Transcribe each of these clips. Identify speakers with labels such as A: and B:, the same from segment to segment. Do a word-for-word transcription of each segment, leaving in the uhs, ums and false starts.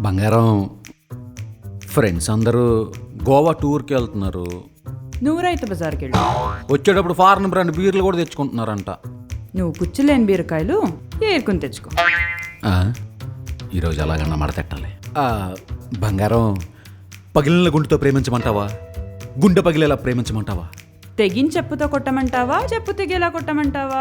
A: బంగారం, ఫ్రెండ్స్ అందరూ గోవా టూర్కి వెళ్తున్నారు.
B: నువ్వు రైతు బజార్కి వెళ్ళు.
A: వచ్చేటప్పుడు ఫారెన్ బ్రాండ్ బీర్లు కూడా తెచ్చుకుంటున్నారంట.
B: నువ్వు పుచ్చులేని బీరకాయలు ఏరుకుని తెచ్చుకో.
A: ఆ, ఈరోజు అలాగన్నా మడతెట్టాలి. ఆ, బంగారం, పగిలిన గుండెతో ప్రేమించమంటావా, గుండె పగిలేలా ప్రేమించమంటావా?
B: తెగిన చెప్పుతో కొట్టమంటావా, చెప్పు తెగేలా కొట్టమంటావా?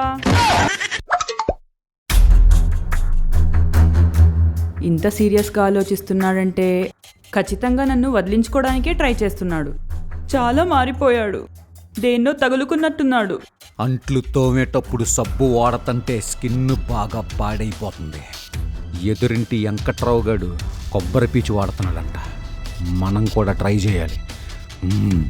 B: ఇంత సీరియస్గా ఆలోచిస్తున్నాడంటే ఖచ్చితంగా నన్ను వదిలించుకోవడానికే ట్రై చేస్తున్నాడు. చాలా మారిపోయాడు, దేన్నో తగులుకున్నట్టున్నాడు.
A: అంట్లు తోమేటప్పుడు సబ్బు వాడతంటే స్కిన్ బాగా పాడైపోతుంది. ఎదురింటి వెంకట్రావు గారు కొబ్బరి పీచు వాడుతున్నాడంట. మనం కూడా ట్రై చేయాలి. మ్మ్.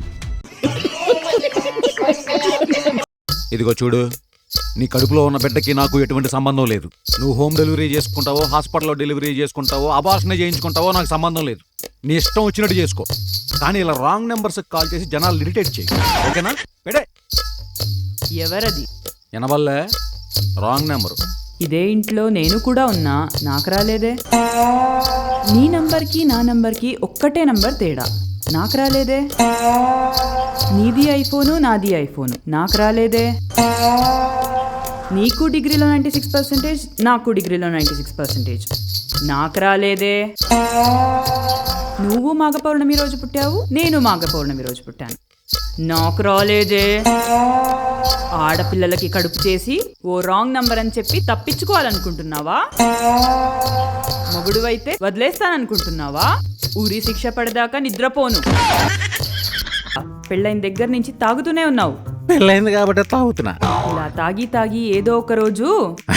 A: ఇదిగో చూడు, నీ కడుపులో ఉన్న బిడ్డకి నాకు ఎటువంటి సంబంధం లేదు. నువ్వు హోమ్ డెలివరీ చేసుకుంటావో, హాస్పిటల్లో డెలివరీ చేసుకుంటావో, అబార్షన్ చేయించుకుంటావో నాకు సంబంధం లేదు. నీ ఇష్టం వచ్చినట్టు చేసుకో, కానీ ఇలా రాంగ్ నెంబర్స్కి కాల్ చేసి జనాలు ఇరిటేట్ చేయి, ఓకేనా? పెడే.
B: ఎవరది?
A: ఎనబల్లే రాంగ్ నెంబరు.
B: ఇదే ఇంట్లో నేను కూడా ఉన్నా, నాకు రాలేదే. నీ నంబర్కి నా నంబర్కి ఒక్కటే నంబర్ తేడా, నాకు రాలేదే. నీది ఐఫోను, నాది ఐఫోను, నాకు రాలేదే. నీకు డిగ్రీలో నైంటీ సిక్స్ పర్సెంటేజ్, నాకు డిగ్రీలో నైంటీ సిక్స్ పర్సెంటేజ్, నాకు రాలేదే. నువ్వు మాఘ పౌర్ణమి రోజు పుట్టావు, నేను మాఘ పౌర్ణమి రోజు పుట్టాను, నాకు రాలేదే. ఆడపిల్లలకి కడుపు చేసి ఓ రాంగ్ నంబర్ అని చెప్పి తప్పించుకోవాలనుకుంటున్నావా? మొగుడువైతే వదిలేస్తాననుకుంటున్నావా? ఊరి శిక్ష పడదాకా నిద్రపోను. పెళ్ళైన దగ్గర నుంచి తాగుతూనే ఉన్నావు.
A: పెళ్ళైంది కాబట్టి తాగుతున్నా.
B: ఇలా తాగి తాగి ఏదో ఒక రోజు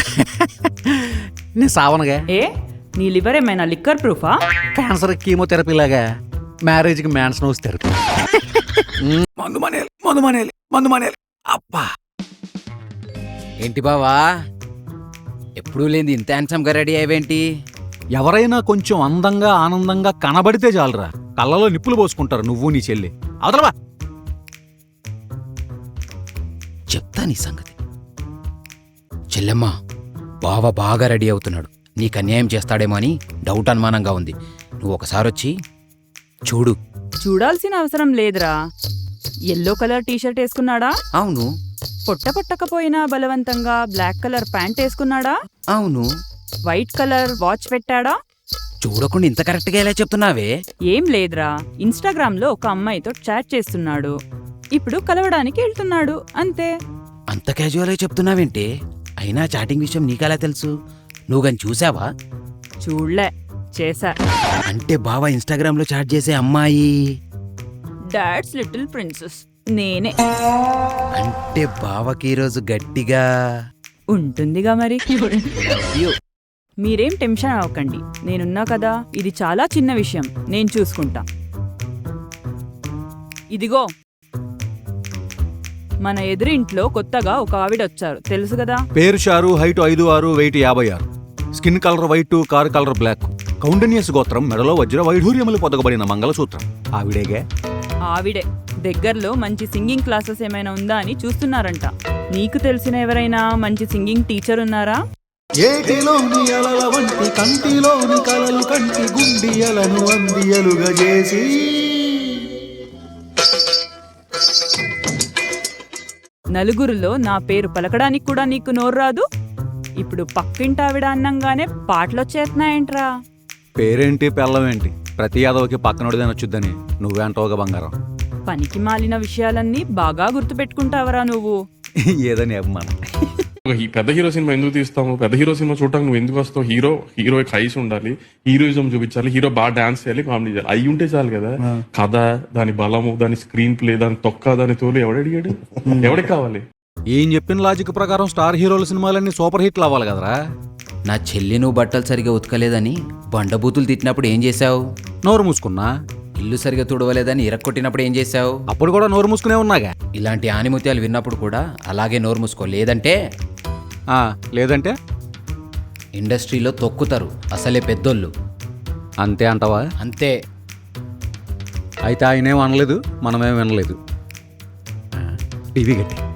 A: నేను సావనగా.
B: ఏ నీ లివర్ ఏమైనా లిక్కర్ ప్రూఫా?
A: క్యాన్సర్ కీమోథెరపీ లాగా మ్యారేజ్కి మ్యాన్స్ నోస్ థెరపీ. మందు మానేయాలి, మందు మానేయాలి, మందు మానేయాలి. అబ్బా,
C: ఏంటి బావా, ఎప్పుడూ లేని ఇంత హ్యాండ్సమ్గా రెడీ అయ్యేవేంటి?
A: ఎవరైనా కొంచెం అందంగా ఆనందంగా కనబడితే చాలరా, కళ్ళలో నిప్పులు పోసుకుంటారు నువ్వు నీ చెల్లి. అవతలవా,
C: చెప్తా నీ సంగతి. చెల్లెమ్మ, బావ బాగా రెడీ అవుతున్నాడు, నీకు అన్యాయం చేస్తాడేమో అని డౌట్ అనుమానంగా ఉంది. నువ్వు ఒకసారి వచ్చి చూడు.
B: చూడాల్సిన అవసరం లేదురా. ఎల్లో కలర్ టీషర్ట్ వేసుకున్నాడా?
C: అవును.
B: పొట్ట పట్టకపోయినా బలవంతంగా బ్లాక్ కలర్ ప్యాంట్ వేసుకున్నాడా?
C: అవును.
B: వైట్ కలర్ వాచ్ పెట్టాడా?
C: చూడకుండా ఇంత కరెక్ట్గా ఎలా చెప్తున్నావే?
B: ఏం లేదురా, ఇన్స్టాగ్రామ్ లో ఒక అమ్మాయితో చాట్ చేస్తున్నాడు, ఇప్పుడు కలవడానికి వెళ్తున్నాడు, అంతే.
C: అంత క్యాజువల్గా చెప్తున్నావేంటి? అయినా చాటింగ్ విషయం నీకెలా తెలుసు? నువ్వు కానీ చూసావా?
B: చూడలే, చేశా.
C: అంటే బావ ఇన్స్టాగ్రామ్ లో చాట్ చేసే అమ్మాయి
B: డాడ్స్ లిటిల్ ప్రిన్సెస్ నేనే.
C: అంటే బావకి ఈరోజు గట్టిగా
B: ఉంటుందిగా మరి. మీరేం టెన్షన్ అవ్వకండి, నేనున్నా కదా. ఇది చాలా చిన్న విషయం, నేను చూసుకుంటా. ఇదిగో, మన ఎదురింట్లో కొత్తగా ఒక ఆవిడ వచ్చారు, తెలుసు కదా?
A: పేరు షారు, హైట్ ఐదు ఆరు, వెయిట్ యాభై ఆరు, skin colour white, car colour black, కౌండనియస్ గోత్రం, మెడలో వజ్ర వైఢూర్యములు పొదగబడిన మంగళసూత్రం. ఆవిడేగే?
B: ఆవిడే. దగ్గరలో మంచి సింగింగ్ క్లాసెస్ ఏమైనా ఉందా అని చూస్తున్నారంట. నీకు తెలిసిన ఎవరైనా మంచి సింగింగ్ టీచర్ ఉన్నారా?
D: ఏటిలోని అలల వంటి కంటిలోని కలలు కంటి గుండియలను అందియలుగా చేసి
B: నలుగురిలో నా పేరు పలకడానికి కూడా నీకు నోరు రాదు. ఇప్పుడు పక్కింటావిడ అన్నంగానే పాటలొచ్చేస్తున్నాయంట్రా.
A: పేరేంటి పెళ్ళమేంటి, ప్రతి యాదవకి పక్కనోడిదని వచ్చుద్దని నువ్వే అంటావుగా బంగారం.
B: పనికి మాలిన విషయాలన్నీ బాగా గుర్తుపెట్టుకుంటావరా నువ్వు.
A: ఏదని అభిమానం.
E: పెద్ద హీరో సినిమా ఎందుకు తీస్తాము? పెద్ద హీరో సినిమా చూడటానికి నువ్వు ఎందుకు వస్తావు? హీరో హీరో హైస్ ఉండాలి, హీరోయిజం చూపించాలి, హీరో బాగా డాన్స్ చేయాలి, కామెడీ చేయాలి, అవి ఉంటే చాలు కదా. కథ, దాని బలము, దాని స్క్రీన్ ప్లే, దాని తొక్క, దాని తోలు ఎవడడిగాడు? ఎవడికి కావాలి?
A: ఏం చెప్పిన లాజిక్ ప్రకారం స్టార్ హీరోల సినిమాలన్నీ సూపర్ హిట్లు అవ్వాలి కదరా.
C: నా చెల్లి నువ్వు బట్టలు సరిగా ఉతకలేదని బండబూతులు తిట్టినప్పుడు ఏం చేశావు?
A: నోరు మూసుకున్నా.
C: ఇల్లు సరిగా తుడవలేదని ఇరక్కొట్టినప్పుడు ఏం చేశావు?
A: అప్పుడు కూడా నోరు మూసుకునే ఉన్నాగా.
C: ఇలాంటి ఆనిముత్యాలు విన్నప్పుడు కూడా అలాగే నోరు మూసుకో, లేదంటే
A: లేదంటే
C: ఇండస్ట్రీలో తొక్కుతారు అసలే పెద్దోళ్ళు.
A: అంతే అంటావా?
C: అంతే.
A: అయితే ఆయనేం అనలేదు, మనమేం వినలేదు. టీవీ గట్టి